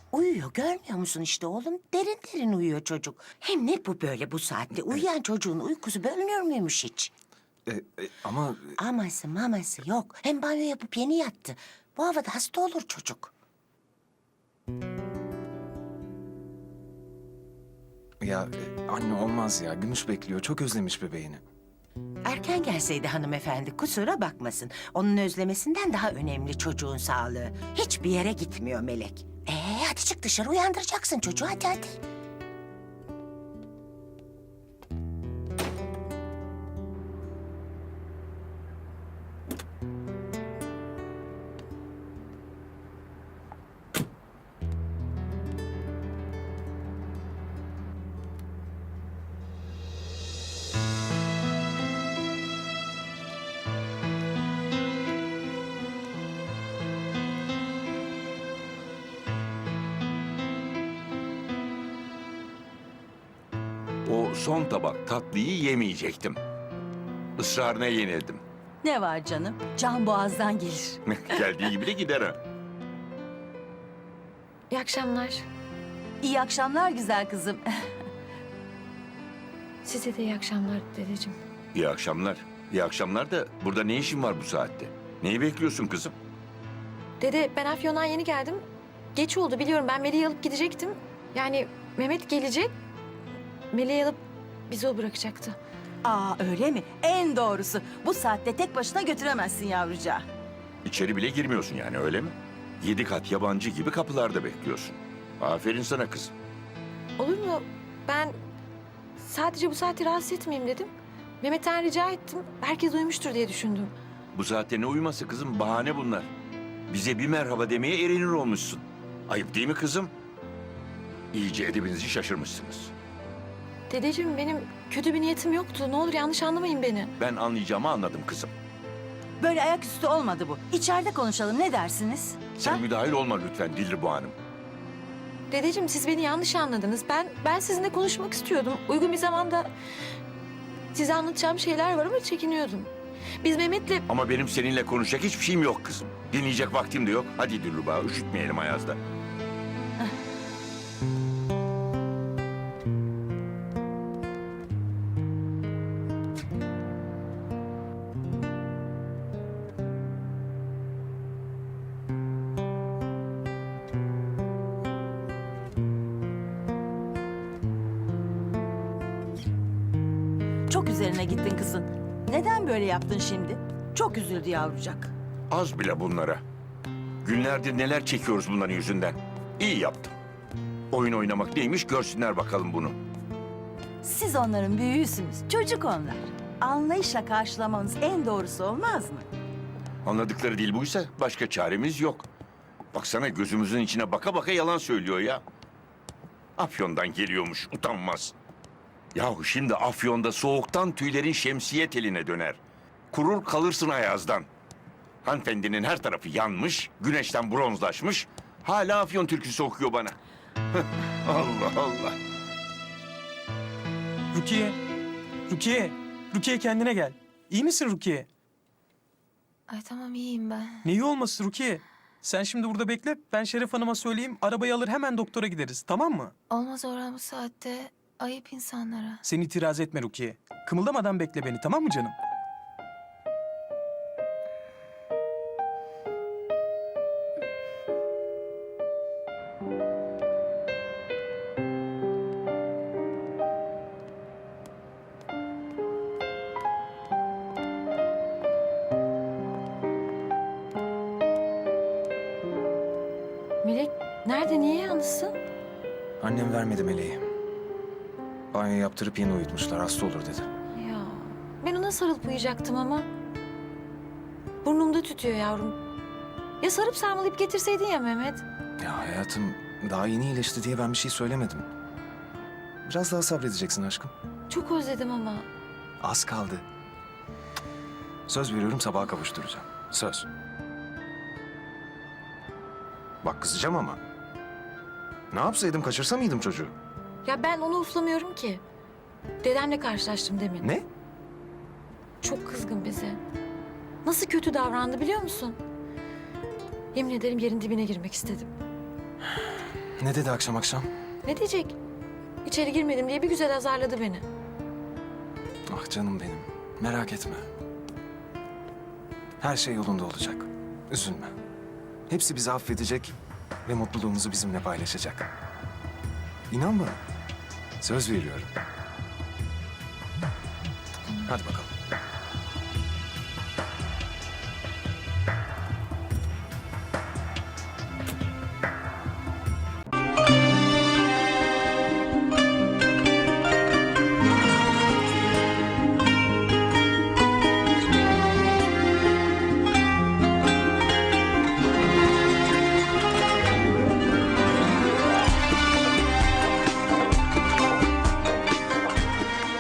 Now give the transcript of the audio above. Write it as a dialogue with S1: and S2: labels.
S1: Uyuyor, görmüyor musun işte oğlum? Derin derin uyuyor çocuk. Hem ne bu böyle bu saatte? Uyuyan çocuğun uykusu bölünür müymüş hiç?
S2: Ama
S1: Aması maması yok. Hem banyo yapıp yeni yattı. Bu havada hasta olur çocuk.
S2: anne olmaz ya. Gümüş bekliyor. Çok özlemiş bebeğini.
S1: Erken gelseydi hanımefendi kusura bakmasın. Onun özlemesinden daha önemli çocuğun sağlığı. Hiçbir yere gitmiyor Melek. Hadi çık dışarı uyandıracaksın çocuğu hadi.
S3: O son tabak tatlıyı yemeyecektim. Israrına yenildim.
S4: Ne var canım? Can boğazdan gelir.
S3: Geldiği gibi de gider ha.
S5: İyi akşamlar.
S4: İyi akşamlar güzel kızım.
S5: Size de iyi akşamlar dedeciğim.
S3: İyi akşamlar. İyi akşamlar da burada ne işin var bu saatte? Neyi bekliyorsun kızım?
S5: Dede ben Afyon'dan yeni geldim. Geç oldu biliyorum, ben Melih'i alıp gidecektim. Yani Mehmet gelecek. Melih'i alıp bizi o bırakacaktı.
S4: Aa öyle mi? En doğrusu. Bu saatte tek başına götüremezsin yavrucağı.
S3: İçeri bile girmiyorsun yani öyle mi? 7 kat yabancı gibi kapılarda bekliyorsun. Aferin sana kızım.
S5: Olur mu? Ben sadece bu saati rahatsız etmeyeyim dedim. Mehmet'ten rica ettim. Herkes uyumuştur diye düşündüm.
S3: Bu saatte ne uyuması kızım? Bahane bunlar. Bize bir merhaba demeye erinir olmuşsun. Ayıp değil mi kızım? İyice edebinizi şaşırmışsınız.
S5: Dedeciğim benim kötü bir niyetim yoktu. Ne olur yanlış anlamayın beni.
S3: Ben anlayacağımı anladım kızım.
S4: Böyle ayaküstü olmadı bu. İçeride konuşalım ne dersiniz?
S3: Sen
S4: Ha?
S3: müdahil olma lütfen Dilruba Hanım.
S5: Dedeciğim siz beni yanlış anladınız. Ben sizinle konuşmak istiyordum. Uygun bir zamanda size anlatacağım şeyler var ama çekiniyordum. Biz Mehmet'le...
S3: Ama benim seninle konuşacak hiçbir şeyim yok kızım. Dinleyecek vaktim de yok. Hadi Dilruba, üşütmeyelim Ayaz'da.
S4: Çok üzerine gittin kızın. Neden böyle yaptın şimdi? Çok üzüldü yavrucak.
S3: Az bile bunlara. Günlerdir neler çekiyoruz bunların yüzünden. İyi yaptım. Oyun oynamak neymiş görsünler bakalım bunu.
S4: Siz onların büyüğüsünüz. Çocuk onlar. Anlayışla karşılamanız en doğrusu olmaz mı?
S3: Anladıkları değil buysa başka çaremiz yok. Baksana gözümüzün içine baka baka yalan söylüyor ya. Afyon'dan geliyormuş utanmaz. Yahu şimdi Afyon'da soğuktan tüylerin şemsiye teline döner. Kurur kalırsın Ayaz'dan. Hanımefendinin her tarafı yanmış, güneşten bronzlaşmış. Hala Afyon türküsü okuyor bana. Allah Allah.
S6: Rukiye, Rukiye, Rukiye kendine gel. İyi misin Rukiye?
S5: Ay tamam iyiyim ben.
S6: Neyi olması Rukiye? Sen şimdi burada bekle, ben Şeref Hanım'a söyleyeyim, arabayı alır hemen doktora gideriz, tamam mı?
S5: Olmaz Orhan bu saatte. Ayıp insanlara.
S6: Sen itiraz etme Rukiye. Kımıldamadan bekle beni, tamam mı canım?
S5: Melek nerede, niye yalnızsın?
S2: Annem vermedi meleği. Banyo yaptırıp yeni uyutmuşlar. Hasta olur dedi.
S5: Ya ben ona sarılıp uyuyacaktım ama. Burnumda tütüyor yavrum. Ya sarıp sarmalayıp getirseydin ya Mehmet.
S2: Ya hayatım daha yeni iyileşti diye ben bir şey söylemedim. Biraz daha sabredeceksin aşkım.
S5: Çok özledim ama.
S2: Az kaldı. Söz veriyorum sabaha kavuşturacağım. Söz. Bak kızacağım ama. Ne yapsaydım kaçırsa mıydım çocuğu?
S5: Ya ben onu uflamıyorum ki. Dedemle karşılaştım demin.
S2: Ne?
S5: Çok kızgın bize. Nasıl kötü davrandı biliyor musun? Yemin ederim yerin dibine girmek istedim.
S2: Ne dedi akşam akşam?
S5: Ne diyecek? İçeri girmedim diye bir güzel azarladı beni.
S2: Ah canım benim. Merak etme. Her şey yolunda olacak. Üzülme. Hepsi bizi affedecek ve mutluluğumuzu bizimle paylaşacak. İnan bana. Söz veriyorum. Hadi bakalım.